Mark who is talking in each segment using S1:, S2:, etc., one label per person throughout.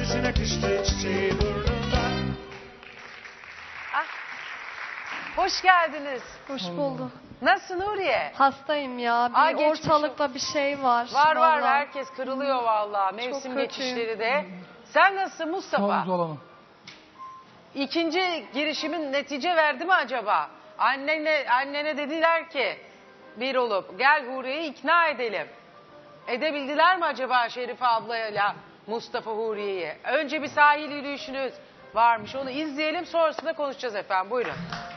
S1: Süzün akışlı çiçeği burnunda.
S2: Ah, hoş geldiniz.
S3: Hoş bulduk.
S2: Nasılsın Nuriye?
S3: Hastayım ya. Bir
S2: Aa, geçmiş
S3: ortalıkta bir şey var.
S2: Var
S3: vallahi.
S2: herkes kırılıyor vallahi. Mevsim
S3: kötüyüm.
S2: geçişleri de. Sen nasılsın Mustafa?
S4: Olamam.
S2: İkinci girişimin netice verdi mi acaba? Annene dediler ki bir olup gel Huriye'yi ikna edelim. Edebildiler mi acaba Şerife ablayla Mustafa Huriye'yi? Önce bir sahil yürüyüşünüz varmış, onu izleyelim, sonrasında konuşacağız efendim. Buyurun.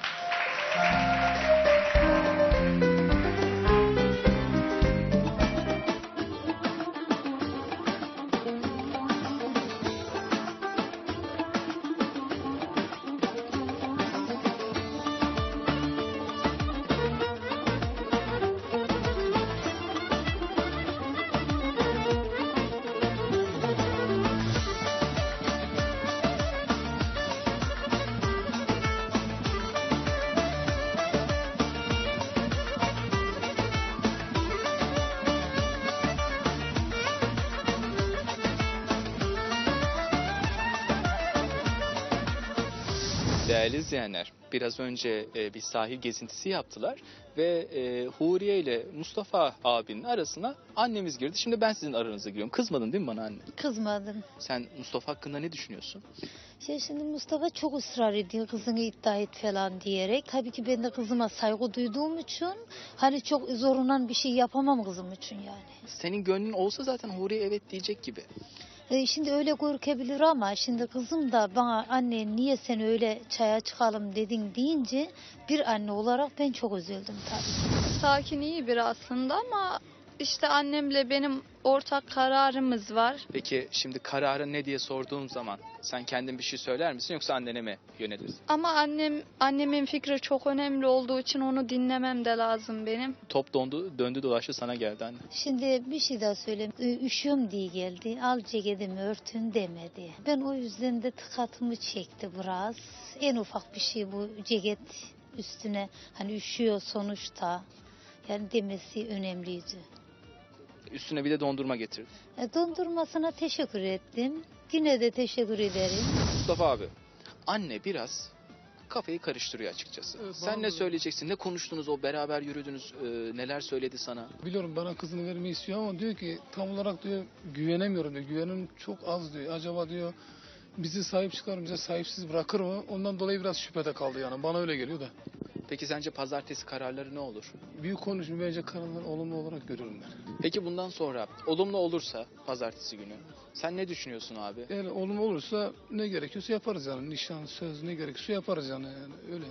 S5: Değerli izleyenler, biraz önce bir sahil gezintisi yaptılar ve Huriye ile Mustafa abinin arasına annemiz girdi. Şimdi ben sizin aranıza giriyorum. Kızmadın değil mi bana anne?
S6: Kızmadım.
S5: Sen Mustafa hakkında ne düşünüyorsun?
S6: Şimdi Mustafa çok ısrar ediyor kızını iddia et falan diyerek. Tabii ki ben de kızıma saygı duyduğum için hani çok zorundan bir şey yapamam kızım için yani.
S5: Senin gönlün olsa zaten Huriye evet diyecek gibi.
S6: Şimdi öyle görükebilir ama şimdi kızım da bana anne niye sen öyle çaya çıkalım dedin deyince bir anne olarak ben çok üzüldüm tabii.
S3: Sakin iyi biri aslında ama işte annemle benim ortak kararımız var.
S5: Peki şimdi kararın ne diye sorduğum zaman sen kendin bir şey söyler misin yoksa annene mi yönelirsin?
S3: Ama annemin fikri çok önemli olduğu için onu dinlemem de lazım benim.
S5: Top döndü dolaştı sana geldi anne.
S6: Şimdi bir şey daha söyleyeyim. Üşüyorum diye geldi. Al ceketimi örtün demedi. Ben o yüzden de tıkatımı çekti biraz. En ufak bir şey bu ceket üstüne hani üşüyor sonuçta. Yani demesi önemliydi.
S5: Üstüne bir de dondurma getirdi.
S6: Dondurmasına teşekkür ettim. Yine de teşekkür ederim.
S5: Mustafa abi, anne biraz kafayı karıştırıyor açıkçası.
S4: Evet,
S5: Sen ne
S4: bana-
S5: söyleyeceksin? Ne konuştunuz o beraber yürüdünüz? Neler söyledi sana?
S4: Biliyorum bana kızını vermeyi istiyor ama diyor ki tam olarak diyor güvenemiyorum diyor. Güvenim çok az diyor. Acaba diyor bizi sahip çıkar bize sahipsiz bırakır mı? Ondan dolayı biraz şüphede kaldı yani. Bana öyle geliyor da.
S5: Peki sence pazartesi kararları ne olur?
S4: Büyük konuşma bence kararları olumlu olarak görüyorum ben.
S5: Peki bundan sonra olumlu olursa pazartesi günü sen ne düşünüyorsun abi?
S4: Yani olumlu olursa ne gerekiyorsa yaparız yani. Nişan, söz ne gerekiyorsa yaparız yani öyle.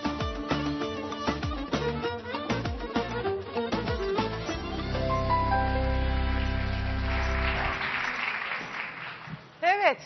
S2: Evet,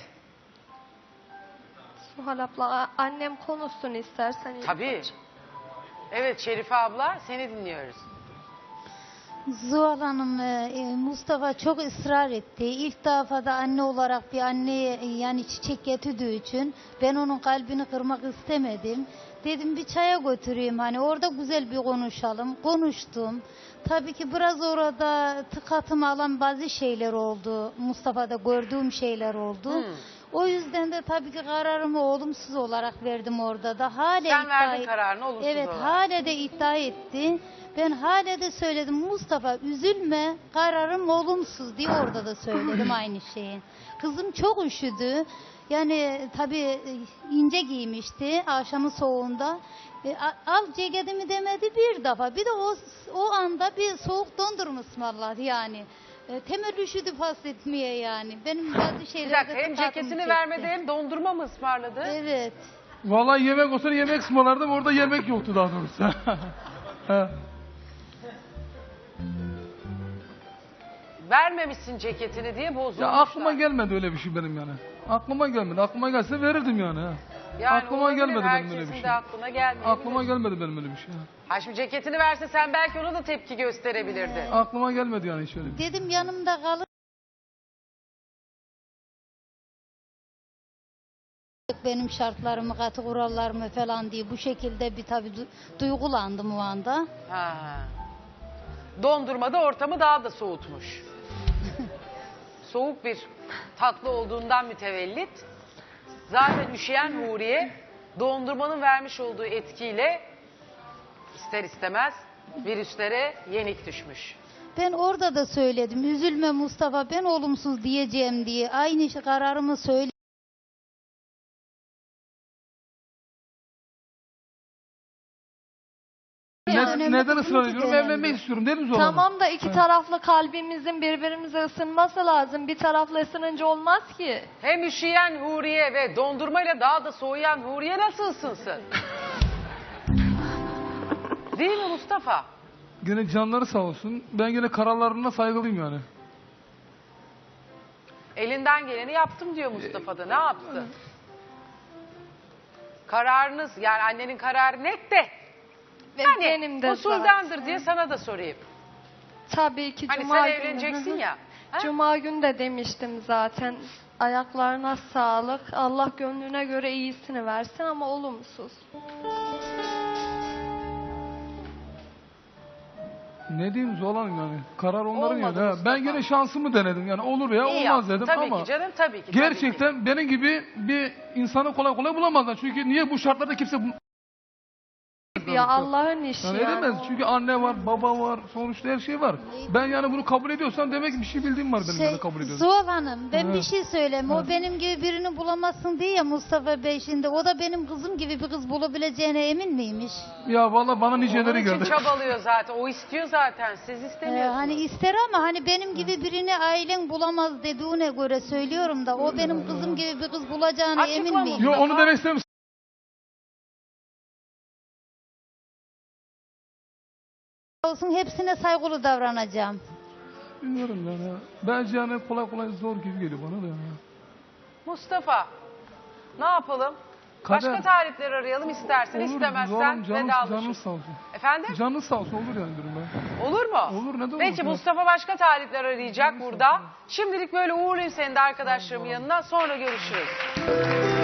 S3: Suhal abla annem konuşsun istersen.
S2: tabii. Evet Şerife abla, seni dinliyoruz.
S6: Zuhal Hanım, Mustafa çok ısrar etti. İlk defa da anne olarak bir anneye yani çiçek getirdiği için ben onun kalbini kırmak istemedim. Dedim bir çaya götüreyim hani orada güzel bir konuşalım. Konuştum. Tabii ki biraz orada tıkatımı alan bazı şeyler oldu. Mustafa'da gördüğüm şeyler oldu. O yüzden de tabii ki kararımı olumsuz olarak verdim orada da. Hala
S2: Sen
S6: iddia
S2: verdin
S6: et-
S2: kararını olumsuz
S6: Evet,
S2: olarak.
S6: hala de iddia etti. Ben hala de söyledim Mustafa üzülme kararım olumsuz diye orada da söyledim aynı şeyi. Kızım çok üşüdü. Yani tabii ince giymişti akşamın soğuğunda. Al ceketimi demedi bir defa. Bir de o anda bir soğuk dondurma ısmarladı yani. Temel üşüdü etmeye yani. Benim bazı
S2: Bir
S6: şeylerde
S2: dakika, hem
S6: tıkatım
S2: ceketini
S6: çekti.
S2: vermedi hem dondurma mı ısmarladı?
S6: Evet.
S4: Vallahi yemek olsa yemek ısmarlardım. Orada yemek yoktu daha doğrusu.
S2: Vermemişsin ceketini diye bozulmuşlar.
S4: Ya aklıma gelmedi öyle bir şey benim yani. Aklıma gelmedi. Aklıma gelse verirdim yani.
S2: Yani
S4: aklıma
S2: olabilir,
S4: gelmedi benim öyle bir
S2: herkesin
S4: şey.
S2: de aklına gelmeyebilir.
S4: Aklıma gelmedi benim öyle bir şey.
S2: Ha şimdi ceketini verse sen belki ona da tepki gösterebilirdin.
S4: Aklıma gelmedi yani hiç öyle bir şey.
S6: Dedim yanımda kalın. Benim şartlarımı, katı kurallarımı falan diye bu şekilde bir tabii duygulandım o anda.
S2: Ha. Dondurma da ortamı daha da soğutmuş. soğuk bir tatlı olduğundan mütevellit. Zaten üşüyen Huriye dondurmanın vermiş olduğu etkiyle ister istemez virüslere yenik düşmüş.
S6: Ben orada da söyledim. Üzülme Mustafa, ben olumsuz diyeceğim diye. Aynı kararımı söyledim.
S4: Neden ısrar ediyorum? Evlenmek istiyorum dedim Zuhal Hanım.
S7: Tamam da iki taraflı kalbimizin birbirimize ısınması lazım. Bir tarafla ısınınca olmaz ki.
S2: Hem üşüyen Huriye ve dondurmayla daha da soğuyan Huriye nasıl ısınsın? Değil mi Mustafa?
S4: Gene canları sağ olsun. Ben gene kararlarına saygılıyım yani.
S2: Elinden geleni yaptım diyor Mustafa da. Ne yaptı? Kararınız, yani annenin kararı net de.
S7: Ve
S2: Hani
S7: benim de
S2: usuldendir
S7: zaten.
S2: diye sana da sorayım.
S7: Tabii ki
S2: Hani
S7: Cuma
S2: sen
S7: günü.
S2: evleneceksin ya. Ha?
S7: Cuma günü de demiştim zaten. Ayaklarına sağlık. Allah gönlüne göre iyisini versin ama olumsuz.
S4: Ne diyeyim Zuhal Hanım yani. Karar onların
S2: Olmadı
S4: yani.
S2: Mustafa.
S4: Ben gene şansımı denedim yani. Olur ya
S2: İyi
S4: olmaz
S2: yaptın.
S4: dedim
S2: Tabii
S4: ama.
S2: ki canım, tabii ki.
S4: Gerçekten benim gibi bir insanı kolay kolay bulamazlar. Çünkü niye bu şartlarda kimse
S7: Ya Allah'ın işi
S4: yani
S7: yani.
S4: edemez. Çünkü anne var, baba var, sonuçta her şey var. Ben yani bunu kabul ediyorsam demek ki bir şey bildiğim var benim yani kabul ediyorum.
S6: Zuhal Hanım, ben
S4: Evet.
S6: bir şey söyleyeyim. O
S4: Evet.
S6: benim gibi birini bulamazsın diye ya Mustafa Bey şimdi. O da benim kızım gibi bir kız bulabileceğine emin miymiş?
S4: Ya vallahi bana
S2: Onun
S4: niceleri
S2: için
S4: geldi.
S2: çabalıyor zaten. O istiyor zaten. Siz istemiyorsunuz.
S6: Hani ister ama hani benim gibi birini ailen bulamaz dediğine göre söylüyorum da o benim kızım gibi bir kız bulacağına
S2: Açıkla
S6: emin miyim?
S4: Yo onu demek istemiyorum.
S6: Olsun, hepsine saygılı davranacağım.
S4: Bilmiyorum yani. Ya. Bence yani kolay kolay zor gibi geliyor bana da yani.
S2: Mustafa, ne yapalım?
S4: Kader.
S2: Başka tarihleri arayalım istersen.
S4: Olur,
S2: İstemezsen
S4: Zuhal Hanım, canınız
S2: vedalaşırız.
S4: sağ olsun.
S2: Efendim?
S4: Canınız sağ olsun olur yani diyorum ben.
S2: Olur mu?
S4: Olur, neden
S2: Peki
S4: olmasın?
S2: Mustafa başka talipler arayacak burada. Şimdilik böyle uğurlayayım seni de arkadaşlarımın yanına. Sonra görüşürüz.